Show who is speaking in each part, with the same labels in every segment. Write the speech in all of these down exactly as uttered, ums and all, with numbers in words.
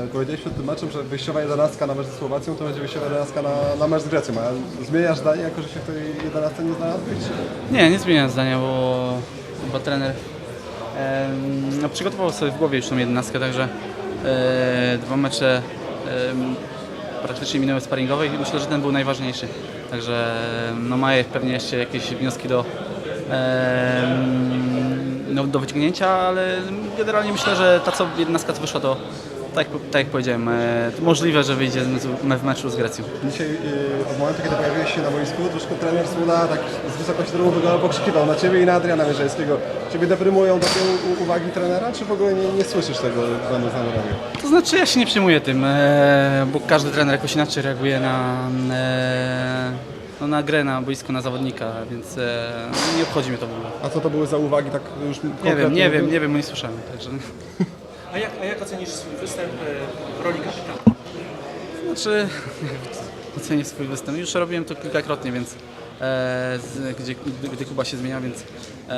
Speaker 1: powiedziałeś przed tym meczem, że wyjściowa jedenastka na mecz ze Słowacją to będzie wyjściowa jedenastka na, na mecz z Grecją. A zmieniasz zdanie, jako że się w tej jedenastce nie znalazłeś?
Speaker 2: Nie, nie zmieniam zdania, bo chyba trener e, no, przygotował sobie w głowie już tą jedenastkę, także e, dwa mecze e, praktycznie minęły sparingowe i myślę, że ten był najważniejszy. Także no, ma pewnie jeszcze jakieś wnioski do, e, no, do wyciągnięcia, ale generalnie myślę, że ta co jedenastka co wyszła, to tak, tak jak powiedziałem, e, to możliwe, że wyjdzie w meczu z Grecją.
Speaker 1: Dzisiaj yy, od momentu, kiedy pojawiłeś się na boisku, troszkę trener Smuda tak z wysokości domu wyglądał, pokrzykiwał na Ciebie i na Adriana Mierzejskiego. Ciebie deprymują takie u- uwagi trenera, czy w ogóle nie, nie słyszysz tego, będąc na murawie?
Speaker 2: To znaczy ja się nie przejmuję tym, e, bo każdy trener jakoś inaczej reaguje na, e, no, na grę, na boisku, na zawodnika, więc e, nie obchodzi mnie to w ogóle.
Speaker 1: A co to były za uwagi tak już
Speaker 2: Nie
Speaker 1: konkretnie?
Speaker 2: wiem, nie wiem, nie wiem, bo nie słyszałem. Także,
Speaker 3: A jak, a jak ocenisz swój występ e, w roli kapitana?
Speaker 2: znaczy ocenię swój występ. Już robiłem to kilkakrotnie, więc e, z, gdzie, gdy, gdy Kuba się zmienia, więc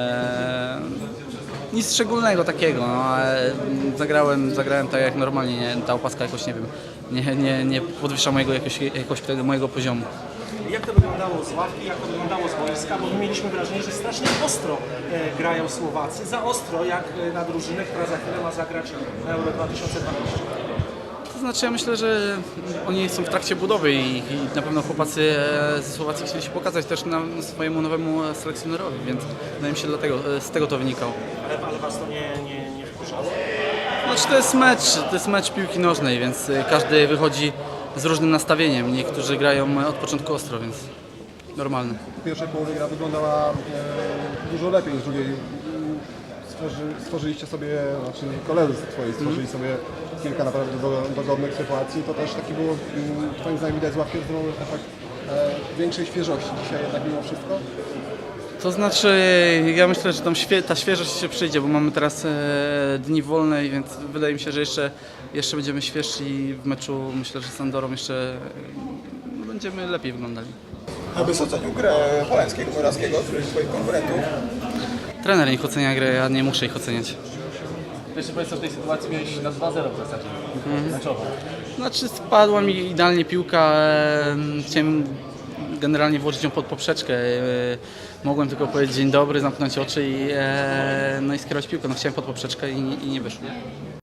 Speaker 2: e, nic szczególnego takiego. No, ale zagrałem, zagrałem tak jak normalnie, nie, ta opaska jakoś nie wiem, nie, nie, nie podwyższa mojego, jakoś, jakoś tego, mojego poziomu.
Speaker 3: Jak to wyglądało z ławki, jak to wyglądało z boiska? Bo my mieliśmy wrażenie, że strasznie ostro e, grają Słowacy. Za ostro jak e, na drużynę, która za chwilę ma zagrać na Euro dwa tysiące dwanaście.
Speaker 2: To znaczy ja myślę, że oni są w trakcie budowy i, i na pewno chłopacy e, ze Słowacji chcieli się pokazać też na swojemu nowemu selekcjonerowi, więc wydaje mi się dlatego, e, z tego to wynikało.
Speaker 3: Ale, ale was to nie, nie, nie wkurzało?
Speaker 2: Znaczy to jest mecz, to jest mecz piłki nożnej, więc e, każdy wychodzi z różnym nastawieniem. Niektórzy grają od początku ostro, więc normalne.
Speaker 1: W pierwszej połowie gra wyglądała e, dużo lepiej niż w drugiej. Stworzy, stworzyliście sobie, znaczy koledzy twoi stworzyli
Speaker 2: Mhm.
Speaker 1: sobie kilka naprawdę do, dogodnych sytuacji. To też taki było, mm, twoim zdaniem widać z ławki zdrowy efekt e, większej świeżości dzisiaj jednak mimo wszystko.
Speaker 2: To znaczy ja myślę, że tam świe, ta świeżość się przyjdzie, bo mamy teraz e, dni wolne, więc wydaje mi się, że jeszcze, jeszcze będziemy świeżsi i w meczu myślę, że z Andorą jeszcze e, będziemy lepiej wyglądali.
Speaker 4: Abyś ocenił grę Polańskiego, Morawskiego, który jest twoich konkurentów.
Speaker 2: Trener niech ocenia grę, ja nie muszę ich oceniać. Pierwszy powiedz, w tej sytuacji miałeś na dwa zero w zasadzie, meczowo. Znaczy spadła mi idealnie piłka, e, chciałem generalnie włożyć ją pod poprzeczkę. E, mogłem tylko powiedzieć dzień dobry, zamknąć oczy i, e, no i skierować piłkę. No, chciałem pod poprzeczkę i, i nie wyszło.